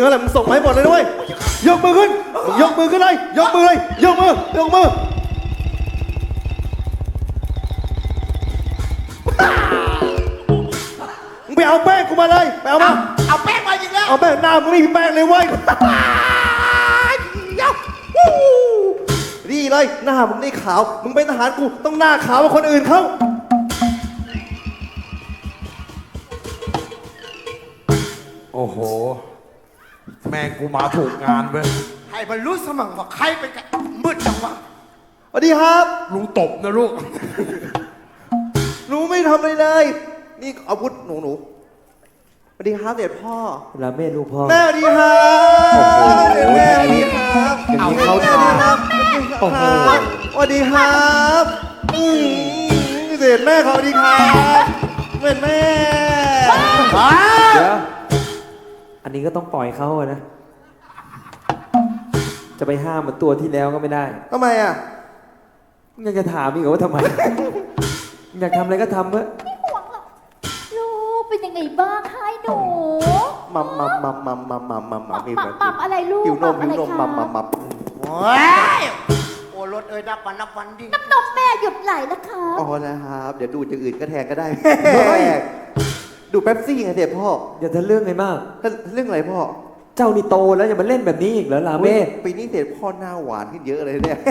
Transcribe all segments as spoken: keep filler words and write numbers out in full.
งินอะไรมึงส่งมาให้หมดเลยด้วยยกมือขึ้นยกมือขึ้นเลยยกมือเลยยกมือยกมือมึงไปเอาแป้งกูมาเลยไปเอามาเอาแป้งมาอีกแล้วเอาแป้งหน้ามึงไม่มีแป้งเลยเว้ยดีเลยหน้ามึงได้ขาวมึงเป็นทหารกูต้องหน้าขาวกว่าคนอื่นเขาโอ้โหแม่งกูมาถูกงานเว้ยให้มันรู้สมั่งว่าใครเป็นกันมืดจังวะสวัสดีครับลุงตบนะลูกหนูไม่ทำอะไรเลยนี่อาวุธหนูหนูสวัสดีครับเด็ดพ่อลาเมลูกพ่อแม่สวัสดีครับเด็ดแม่สวัสดีครับเอาเขาทาโอ้โหสวัสดีครับเด็ดแม่เขาสวัสดีครับเด็ดแม่เดี๋ยวอันนี้ก็ต้องปล่อยเขาอะนะจะไปห้ามเหมือนตัวที่แล้วก็ไม่ได้ทำไมอ่ะยังจะถามอีกว่าทำไมอยากทำอะไรก็ทำเถอะไม่ห่วงหรอกลูกเป็นยังไงบ้างคะหนูมัมมัมมัมมัมมัมมัมมัมมัมมัมมัมอะไรลูกหิวนมหิวนมมัมมัมมัมโอ้ยโอ้รถเอ้ยนับวันนับวันดิน้ำนมแม่หยุดไหลแล้วครับอ๋อนะครับเดี๋ยวดูอย่างอื่นก็แทนก็ได้ดูเป๊ปซี่ไงเด็ดพ่ออย่าทะเรื่องไงมากเรื่องอะไรพ่อเจ้านี่โตแล้วอย่ามาเล่นแบบนี้อีกเหรอลาเมปีนี้เด็ดพ่อหน้าหวานขึ้นเยอะเลยเนี่ย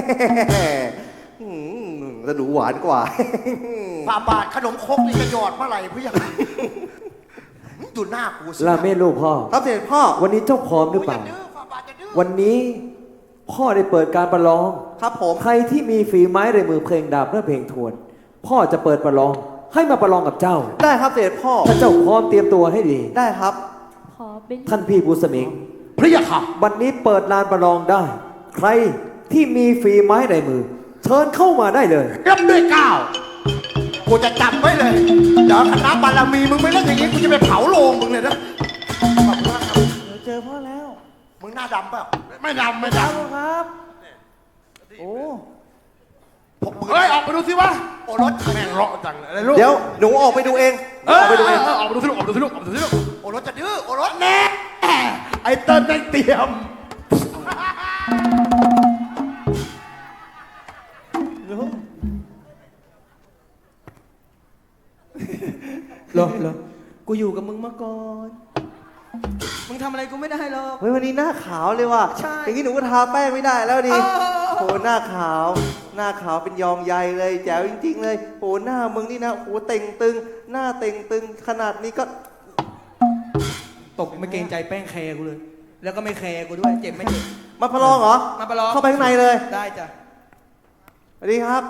จะดูหวานกว่าฝ่าบาทขนมครกนี่จะหยอดเมื่อไหร่พี่ยังดูหน้ากูสิลาเมลูกพ่อครับเด็ดพ่อวันนี้เจ้าพร้อมหรือเปล่าวันนี้พ่อได้เปิดการประลองครับผมใครที่มีฝีไม้ลายมือเพลงดาบและเพลงทวนพ่อจะเปิดประลองให้มาประลองกับเจ้าได้ครับเด็ดพ่อถ้าเจ้าพร้อมเตรียมตัวให้ดีได้ครับท่านพี่ภูสมิงพระยาค่ะวันนี้เปิดลานประลองได้ใครที่มีฝีไม้ลายมือเชิญเข้ามาได้เลยรับด้วยก้าวกูจะจับไว้เลยเดี๋ยวคณะบารมีมึงไม่เล่นอย่างนี้กูจะไปเผาโลงมึงเลยนะขอบคุณมากครับเจอพ่อแล้วมึงหน้าดำเปล่าไม่ดำไม่ดำครับโอ้เฮ้ยออกไปดูสิวะโอ้รถแม่งเลาะจังเลยลูกเดี๋ยวหนูออกไปดูเองออกไปดูเองออกไปดูสิลูกออกไปดูสิลูกออกไปดูสิลูกโอ้รถจะดื้อโอ้รถแน่ไอ้เติ้ลได้เตรียมเหรอเหรอกูอยู่กับมึงมาก่อนมึงทำอะไรกูไม่ได้หรอกเฮ้ยวันนี้หน้าขาวเลยว่ะใช่อย่างนี้หนูก็ทาแป้งไม่ได้แล้วดิโหหน้าขาวหน้าขาวเป็นยองใยเลยแจ๋วจริงๆเลยโหหน้ามึงนี่นะโหเต่งตึงหน้าเต่งตึงขนาดนี้ก็ตกไม่เกรงใจแป้งแคร์กูเลยแล้วก็ไม่แคร์กูด้วยเจ็บไม่เจ็บมาประลองเหรอมาประลองเข้าไปข้างในเลยได้จ้ะสวัสดีครับ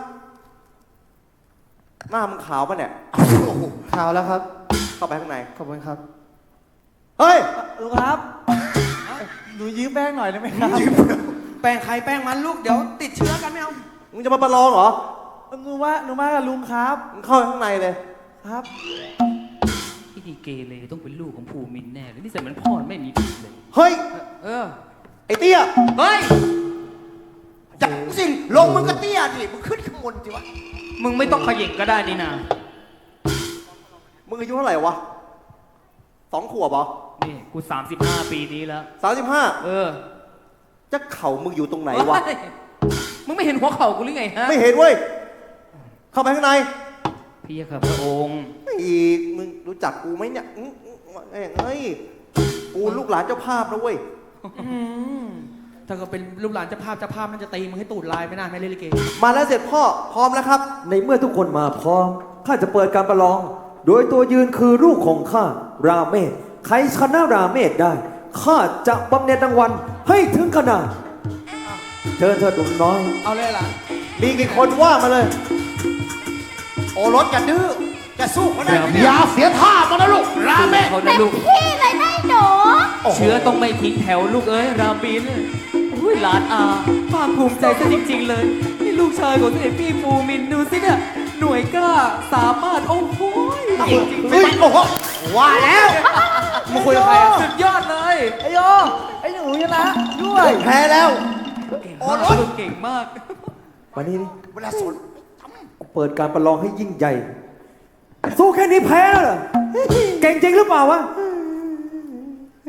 หน้ามึงขาวป่ะเนี่ยขาวแล้วครับเข้าไปข้างในขอบคุณครับเฮ้ยลูกครับหนูยืมแป้งหน่อยได้ไหมครับแป้งใครแป้งมันลูกเดี๋ยวติดเชื้อกันไม่เอามึงจะมาประลองเหรอหนูว่าหนูมากับลุงครับมึงเข้าไปข้างในเลยครับพี่ดีเกเรต้องเป็นลูกของภูมินแน่เลยนี่แต่เหมือนพ่อไม่มีผิดเลยเฮ้ยเออไอ้เตี้ยเฮ้ยจับสิลงมึงก็เตี้ยดิมึงขึ้นข้างบนสิวะมึงไม่ต้องขยิงก็ได้นี่นะมึงอายุเท่าไหร่วะสองขวบเหรอนี่กูสามสิบห้าปีนี้แล้วสามสิบห้าเออจะเข่ามึงอยู่ตรงไหนวะมึงไม่เห็นหัวเข่ากูหรือไงฮะไม่เห็นเว้ยเข้าไปข้างในพี่ครับพระองค์อีกมึงรู้จักกูไหมเนี่ยเฮ้ยกูลูกหลานเจ้าภาพนะเว้ยถ้าก็เป็นลูกหลานเจ้าภาพเจ้าภาพมันจะตีมึงให้ตูดลายไม่น่าไม่เล่นลิเกมาแล้วเสร็จพ่อพร้อมแล้วครับในเมื่อทุกคนมาพร้อมข้าจะเปิดการประลองโดยตัวยืนคือลูกของข้าราเมศใครชนะราเมศได้ข้าจะบำเหน็จรางวัลให้ถึงขนาดเชิญเธอดุน้อยเอาเลยล่ะมีกี่คนว่ามาเลยโอ้รถจะดื้อจะสู้เขาได้อย่าเสียท่ามานะลูกราเมศเต็มที่เลยนะหนูเชื้อต้องไม่ทิ้งแถวลูกเอ้ยราบินอุ้ยหลานอาภาคภูมิใจซะจริงๆเลยนี่ลูกชายของเสด็จพี่ภูมินดูสิเนี่ยหน่วยกล้าสามารถโอ้โหจริงจริงโอ้โหว่าแล้วมาคุยกับใครสุดยอดเลยไอโยไอหนูชนะด้วยแพ้แล้วโอ้โหเก่งมากวันนี้เวลาสนเปิดการประลองให้ยิ่งใหญ่สู้แค่นี้แพ้แล้วเหรอเก่งจริงหรือเปล่าวะ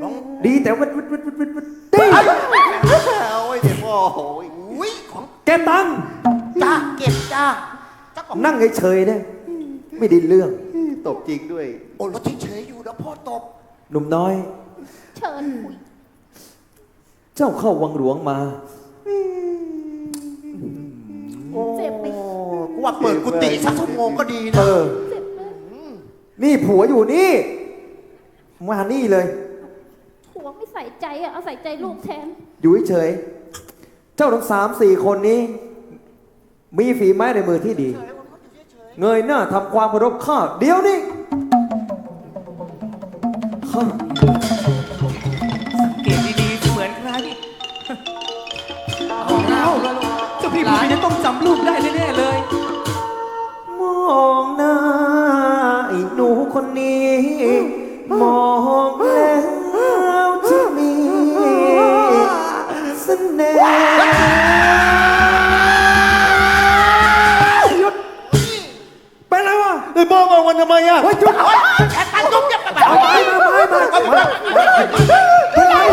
ดีแต่วัดวัดวัดวัดวัดวัดดีเอาไว้เดี๋ยวพ่อโอ้ยอุ้ยของแกตังจ้าเก็บจ้าเจ้าของนั่งเฉยๆเนี่ยไม่ได้เรื่องตบจริงด้วยโอ้รถเฉยๆอยู่แล้วพ่อตบหนุ่มน้อยเชิญคุยเจ้าเข้าวังหลวงมาเจ็บไหมกูว่าเปิดกุฏิสักชั่วโมงก็ดีเอนะอเจ็บไหมนี่ผัวอยู่นี่ มานี่เลยผัวไม่ใส่ใจอ่ะเอาใส่ใจลูกแทนอยู่เฉยๆเจ้าทั้งสามสี่คนนี้ มีฝีไม้ในมือที่ดี เงยหน้าทำความเคารพข้าเดี๋ยวนี้ข้าเกตดีๆเหมือนใครเอาแล้วเจ้าพี่ภูมิจะต้องจำลูกได้แน่ๆเลยมองหน้าไอ้หนูคนนี้ มองแล้วจะมีเสน่ห์หยุดเป็นไรวะไอ้พ่อมองมันทำไมอ่ะเฮ้ยหยุดแอบตันยุบยับไปเอาไปมาไปมาเป็นไร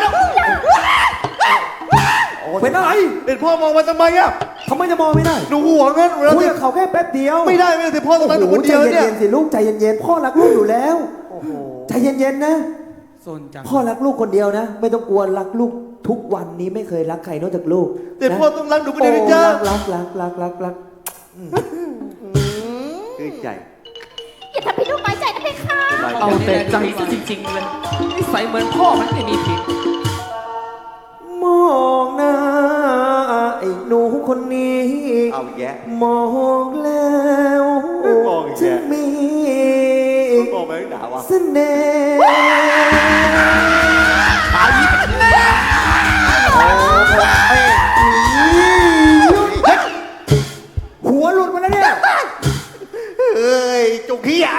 เป็นอะไรเด็ดพ่อมองมันทำไมอ่ะทำไมจะมองไม่ได้หนูห่วงงั้นแล้วคุยเนี่ยกับเขาแค่แป๊บเดียวไม่ได้ไม่ได้เด็ดพ่อตรงนั้นหนูคนใจเดียวเนี่ยเย็นๆสิลูกใจเย็นๆพ่อรักลูกอยู่แล้วใจเย็นๆนะโซนจังพ่อรักลูกคนเดียวนะ ไม่ต้องกลัวรักลูกทุกวันนี้ไม่เคยรักใครนอกจากลูกเด็ดนะพ่อต้องรักหนูคนเดียวนะจ๊ะโอ้รักรักรักรักรักชื่นใจอย่าทำพี่ลูกน้อยใจนะเพคะเอาแต่ใจซะจริงๆเลยนิสัยเหมือนพ่อมันไม่มีผิดมองหน้าไอ้หนูคนนี้เอาแยะมองแล้วมองอีกแยะจะมีมองไปข้างหนาวะเสน่ห์หัวหลุดมาแล้วเนี่ยเอ้ยจุกขี้อ่ะ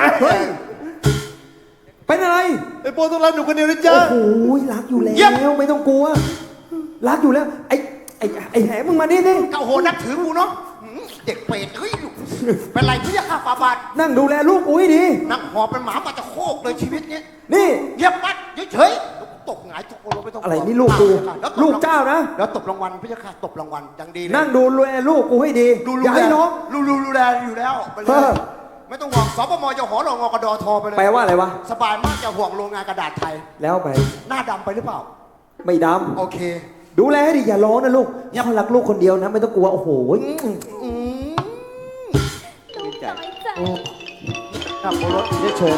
เป็นอะไรไอ้พ่อต้องรักหนูคนเดียวนะโอ้จ๊ะโหรักอยู่แล้วไม่ต้องกลัว รักอยู่แล้ว ไอ้ไอ้ไอ้แหมึงมานี่นี่เก้าโหนับถือกูเนาะหืมเด็กเปรตเฮ้ยเป็นไรพี่ยาข้าฟาบาทนั่งดูแลลูกกูให้ดีนั่งหอบเป็นหมามาจะโคกเลยชีวิตเนี้ยนี่เงียบปัดเฉยๆตกหงายตกลงไปตรงอะไรนี่ลูกกูลูกเจ้านะแล้วตบรางวัลพี่ยาข้าตบรางวัลอย่างดีเลยนั่งดูแลลูกกูให้ดีดูอย่าให้น้องดูดูดูแลอยู่แล้วไปเลเอย อไม่ต้องห่วงสปมจะหอรองอกระดอทอไปเลยแปลว่าอะไรวะสบายมากจะห่วงโรงงานกระดาษไทยแล้วไปหน้าดำไปหรือเปล่าไม่ดโอเคำดูแลให้ดีอย่าร้องนะลูกพ่อรักลูกคนเดียวนะ ไม่ต้องกลัวโอ้โหอืมลูกน้อยใจขับรถเฉย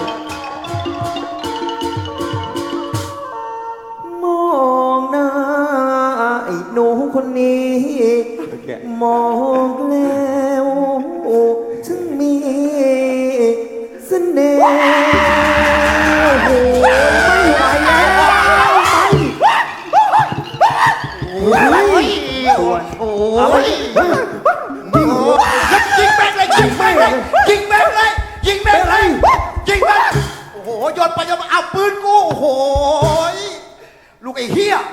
ๆมองหน้าไอ้หนูคนนี้ มองแล้วถึงมีเสน่ห์โอ้โหไม่ไหวแล้วไปโอ้ยโอ้ยยิงยิงแม่งเลยยิงแม่งเลยยิงแม่งเลยยิงแม่งเลยยิงแม่งโอ้โหโยนไปโยนมาเอาปืนกูโอ้โหลูกไอ้เหี้ย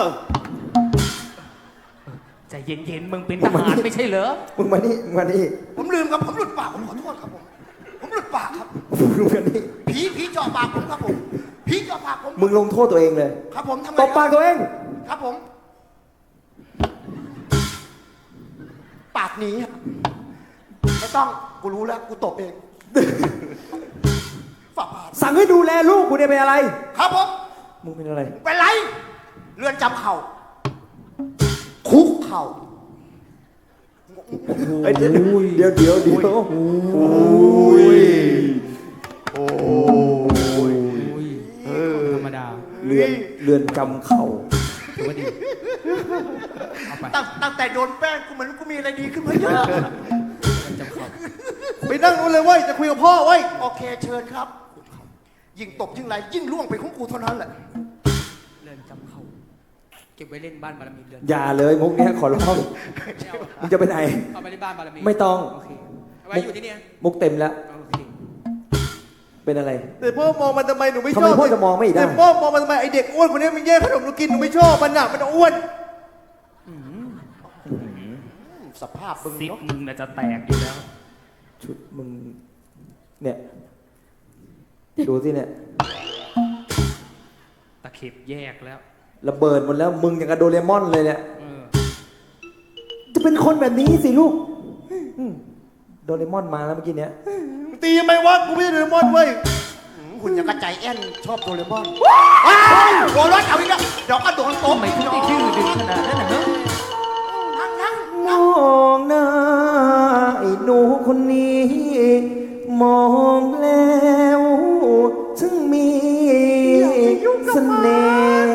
ใจเย็นๆ มึงเป็นทหารไม่ใช่เหรอมึงมานี่มึงมานี่ผมลืมครับผมหลุดปากผมขอโทษครับผมผมหลุดปากครับมึงมานี่ผีผีเจาะปากผมครับผมผีเจาะปากผมมึงลงโทษตัวเองเลยครับผมทำไงตบปากตัวเองครับผม ปากหนีครับไม่ต้องกูรู้แล้วกูตบเองฝาบาทสั่งให้ดูแลลูกกูเนี่ยเป็นอะไรครับผมมึงเป็นอะไรเป็นไรเรือนจำเข่าคุกเข่าเดี๋ยวเดี๋ยวเดี๋ยวเดี๋ยวโอ้ยโอ้ยธรรมดาเรือนเรือนจำเข่าถือว่าดีเอาไปตั้งตั้งแต่โดนแป้งกูเหมือนกูมีอะไรดีขึ้นมาเยอะจำเขาไปนั่งนู้นเลยเว้ยจะคุยกับพ่อเว้ยโอเคเชิญครับ ยิ่งตบยิ่งไรยิ่งล่วงไปของกูเท่านั้นแหละเรือนจำเขาเก็บไว้เล่นบ้านบารมีเรือนอย่าเลยมุกเนี้ยขอร้องมึงจะไปไหนเอาไปในบ้านบารมีไม่ต้องโอเคเอาไว้อยู่ที่เนี่ยมุกเต็มแล้วโอเคเป็นอะไรแต่พ่อมองมันทำไมหนูไม่ชทำอไมบพ่อจะมองไม่ได้แต่พ่อมองมันทำไมไอเด็กอ้วนคนนี้มันแย่งขนมหนูกินหนูไม่ชอบมันอ่ะมันอ้วนสภาพมึงซิปเนาะมึงน่ะจะแตกอยู่แล้วชุดมึง เนี่ย ดูสิเนี่ยตะเคข็บแยกแล้วระเบิดหมดแล้วมึงอย่างกับโดเรมอนเลยเนี่ยเออจะเป็นคนแบบนี้สิลูกอืมโดเรมอนมาแล้วเมื่อกี้เนี้ยตีทำไมวะ กูไม่ใช่โดเรมอนเว้ยหืมหุ่นยังกระจายแอนชอบโดเรมอนว้าวโอ้รถเอาอีกแล้วเดี๋ยวก็โดนโต๊ะทำไมถึงได้ดื้อดึงขนาดนั้นนะเฮ้ยนั่งนั่งมองหน้าไอ้หนูคนนี้ มองแล้วถึงมีเสน่ห์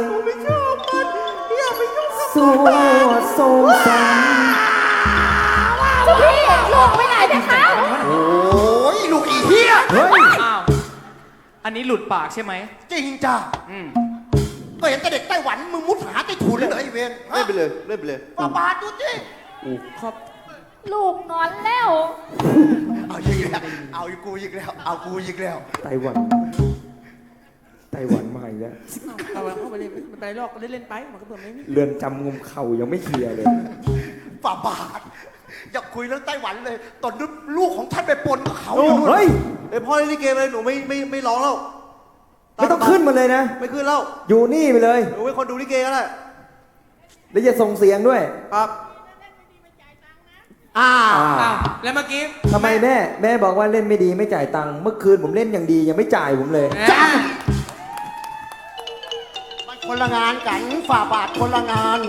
สวดทรงสันเจ้าพี่ลูกไปไหนเพคะโอ้ยลูกอีเหี้ยเฮ้ยอ้าว อันนี้หลุดปากใช่ไหมจริงจ้ะอืมก็เห็นแต่เด็กไต้หวันมึงมุดหาใต้ถุนเลยเหรอไอ้เวรเล่นไปเลย เล่นไปเลยป้าบาดดูสิครับลูกงอนแล้วเอาอีกแล้วเอาอีกกูอีกแล้วเอากูอีกแล้วไต้หวัน ไต้หวันมาอีกแล้วเอาเข้าไปเลยมันไปลอกเล่นๆไป มันก็เบื่อไม่มีเรือนจำงมเข่ายังไม่เคลียร์เลยฝ่าบาทอย่าคุยเรื่องไต้หวันเลย ตอนนี้ลูกของท่านไปปนกับเขาโอ้อยู่นู่นเฮ้ยเอ้ยพ่อเล่นลิเกเลย หนูไม่ไม่ไม่ร้องแล้วไม่ต้องขึ้นมาเลยนะไม่ขึ้นแล้วอยู่นี่ไปเลยหนูเป็นคนดูลิเกก็ได้แล้วจะส่งเสียงด้วยครับอ่าอ้าว แล้วเมื่อกี้ทำไมแม่ แม่บอกว่าเล่นไม่ดีไม่จ่ายตังค์ เมื่อคืนผมเล่นอย่างดียังไม่จ่ายผมเลยจ้ามันคนละงานกันฝ่าบาทคนละงาน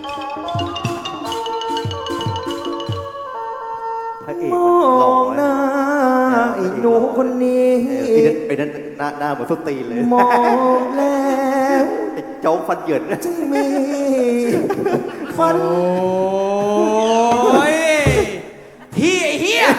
พระเอกมมันหล่อองหน้าไอ้หนูคนนี้เออไอ้นั่นไอ้นั่นหน้าหน้าเหมือนส้นตีนเลยมองแล้วไอ้โจ๊กฟันเหยินจึงมีฝันโอ้ย ที่ไอ้เหี้ย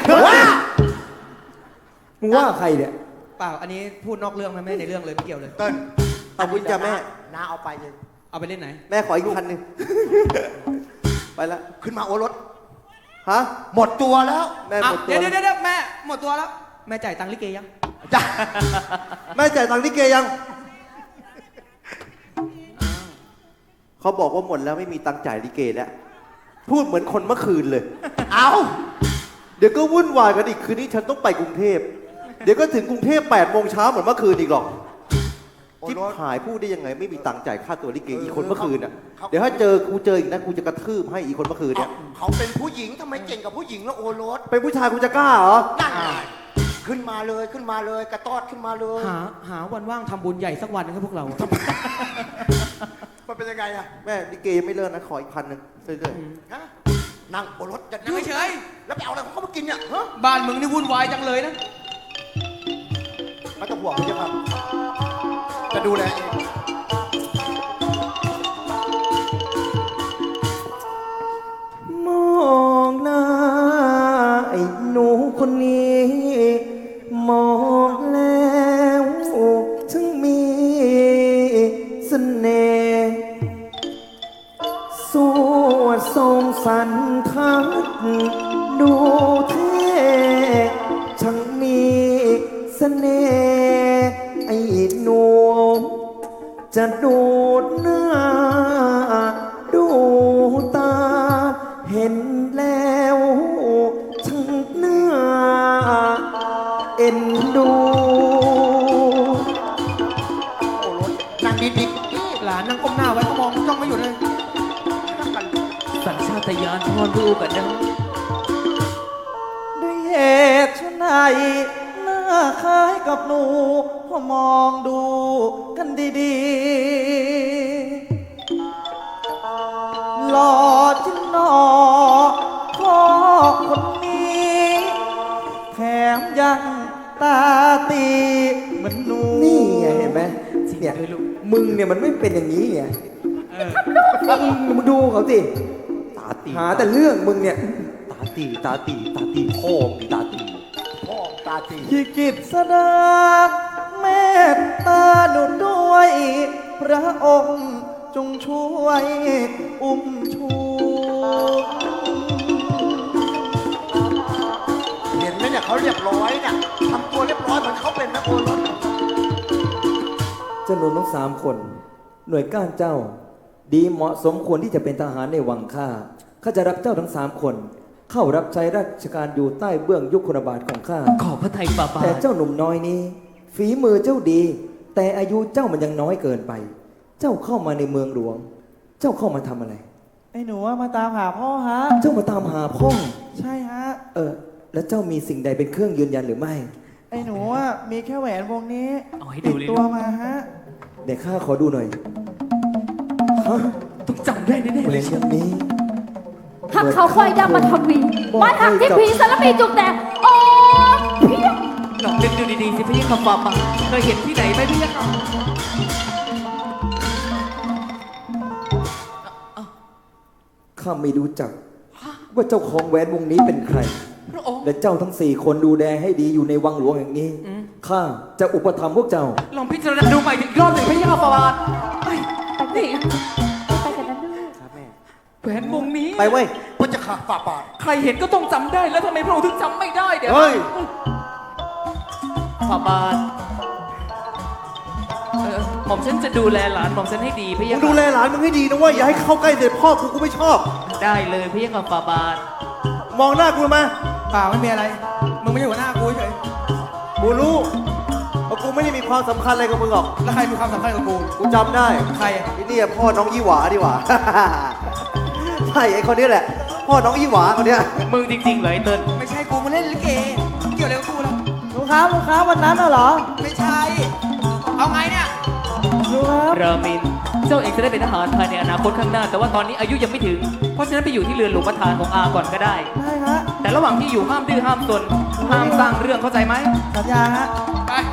มึงว่าใครเนี่ยเปล่า อันนี้พูดนอกเรื่องไหมไม่ในเรื่องเลยไม่เกี่ยวเลยเติ้ลขอบคุณจ้ะแม่น้าเอาไปเลยเอาไปเล่นไหนแม่ขออีกพันหนึ่ง ไปละขึ้นมาโอรสฮะหมดตัวแล้วแม่หอ่ะมดตัเดี๋วยวเดี๋ยวเดี๋ยวแม่หมดตัวแล้ว แม่จ่ายตังค์ลิเกยังจ้ะแม่จ่ายตังค์ลิเกยัง เขาบอกว่าหมดแล้วไม่มีตังค์จ่ายลิเกแล้ว พูดเหมือนคนเมื่อคืนเลยเอาเดี๋ยวก็วุ่นวายกันอีกคืนนี้ฉันต้องไปกรุงเทพ เดี๋ยวก็ถึงกรุงเทพแปดโมงเช้าเหมือนเมื่อคืนอีกหรอกโอที่รสหายพูดได้ยังไงไม่มีตังค์จ่ายค่าตัวลิเกอีกคนเมื่อคืนอ่ะ เดี๋ยวถ้าเจอกูเจออีกนะกูจะกระทืบให้อีกคนเมื่อคืนเอาเนี่ยเขาเป็นผู้หญิงทำไมเก่งกับผู้หญิงแล้วโอรสเป็นผู้ชายกูจะกล้าเหรอนั่นไงขึ้นมาเลยขึ้นมาเลยกระตอดขึ้นมาเลยหาหาวันว่างทำบุญใหญ่สักวันนึงครับพวกเรามันเป็นยังไงอะแม่ลิเกยังไม่เลิกนะขออีกพันหนึ่งเรื่อยฮะนั่งโอรสจะนั่งเฉยแล้วไปเอาอะไรของเขามากินเนี่ยฮะบ้านมึงนี่วุ่นวายจังเลยนะไม่ต้องห่วงพี่ครับ จะดูแลเองมองหน้าไอ้หนูคนนี้ มองแล้วถึงมีเสน่ห์สวดทรงสันทัดดูเท่ช่างมีเสน่ห์ไอ้หนูจะดูดหน้า ดูตา เห็นแล้วช่างเนื้อเอ็นดูโอรสนั่งดีหลานนั่งก้มหน้าไว้เขามองจ้องไม่หยุดเลยสัญชาตญาณพ่อลูกกันนะด้วยเหตุชนไหนหน้าคล้ายกับหนูพอมองดูกันดีๆหล่อจิงหนอพ่อคนนี้ แถมยังตาตีเหมือนหนูนี่ไงเห็นไหมเนี่ยมึงเนี่ยมันไม่เป็นอย่างนี้ไงมึงดูเขาสิตาตีหาแต่เรื่องมึงเนี่ยตาตีตาตีตาตีพ่อมีตาตีๆพ่อตาตีที่กิจสดาเมตตาหนุนด้วย พระองค์จงช่วยอุ้มชูเห็นไหมเนี่ยเขาเรียบร้อยเนี่ยทำตัวเรียบร้อยเหมือนเขาเป็นนะโอรสเจ้าหนุ่มทั้งสามคน หน่วยก้านเจ้า ดีเหมาะสมควรที่จะเป็นทหารในวังข้าข้าจะรับเจ้าทั้งสามคน เข้ารับใช้ราชการอยู่ใต้เบื้องยุคลบาทของข้าขอพระไทยฝ่าบาแต่ทเจ้าหนุ่มน้อยนี้ ฝีมือเจ้าดี แต่อายุเจ้ามันยังน้อยเกินไปเจ้าเข้ามาในเมืองหลวง เจ้าเข้ามาทำอะไรไอ้หนูว่ามาตามหาพ่อฮะเจ้ามาตามหาพ่อใช่ฮะเออ แล้วเจ้ามีสิ่งใดเป็นเครื่องยืนยันหรือไม่ไอ้หนูว่ามีแค่แหวนวงนี้เอาให้ดูติดเลยตัวมาฮะเดี๋ยวข้าขอดูหน่อยฮะต้องจำได้แน่ๆเหเลรียยญอย่างนี้หักเขาควายดำมาทำวีมาหักที่ผีสารพีจุกแต่โอ้เพี้ยลองนึกดูดีๆสิพี่คำฟ้าป่าเคยเห็นที่ไหนไหมพี่ครับข้าไม่รู้จัก ว่าเจ้าของแหวนวงนี้เป็นใครพระองค์และเจ้าทั้งสี่คนดูแลให้ดีอยู่ในวังหลวงแห่งนี้อืมข้าจะอุปถัมภ์พวกเจ้าลองพิจารณาดูใหม่อีกรอบหนึ่งพี่คำฟ้าป่าเฮ้ยนี่ไปกันนะลูกแหวนวงนี้ไปเว้ยพระเจ้าค่ะฝ่าบาทใครเห็นก็ต้องจำได้แล้วทำไมพระองค์ถึงจำไม่ได้เดี๋ยวเฮ้ยฝ่าบาทเออหม่อมฉันจะดูแลหลานหม่อมฉันให้ดีพี่มึยังดูแลหลานมึงให้ดีนะเว้ยอย่าให้เข้าใกล้เด็กพ่อกูกูไม่ชอบได้เลยพี่ยังฝ่าบาทมองหน้ากูมาเปล่าไม่มีอะไร มึงไม่ใช่หัวหน้ากูเฉยกูรู้ว่ากูไม่ได้มีความสำคัญอะไรกับมึงหรอกแล้วใครมีความสำคัญกับกูกูจำได้ใครอะไอ้เนี่ยพ่อน้องยี่หวาดีกว่า ใช่ไอ้คนนี้แหละ พ่อน้องยี่หวาคนเนี้ยมึงจริงๆเลยเติ้ลไม่ใช่กูมาเล่นลิเก เกี่ยวอะไรกับกูแล้วลุงครับลุงครับวันนั้นน่ะเหรอไม่ใช่ เอาไงเนี่ยลุงครับรามิน เจ้าเองจะได้เป็นทหารภายในอนาคตข้างหน้า แต่ว่าตอนนี้อายุยังไม่ถึง เพราะฉะนั้นไปอยู่ที่เรือนหลวงประธานของอาก่อนก็ได้ได้ฮะแต่ระหว่างที่อยู่ห้ามดื้อห้ามซนห้ามสร้างเรื่องเข้าใจไหมสัญญาฮะไป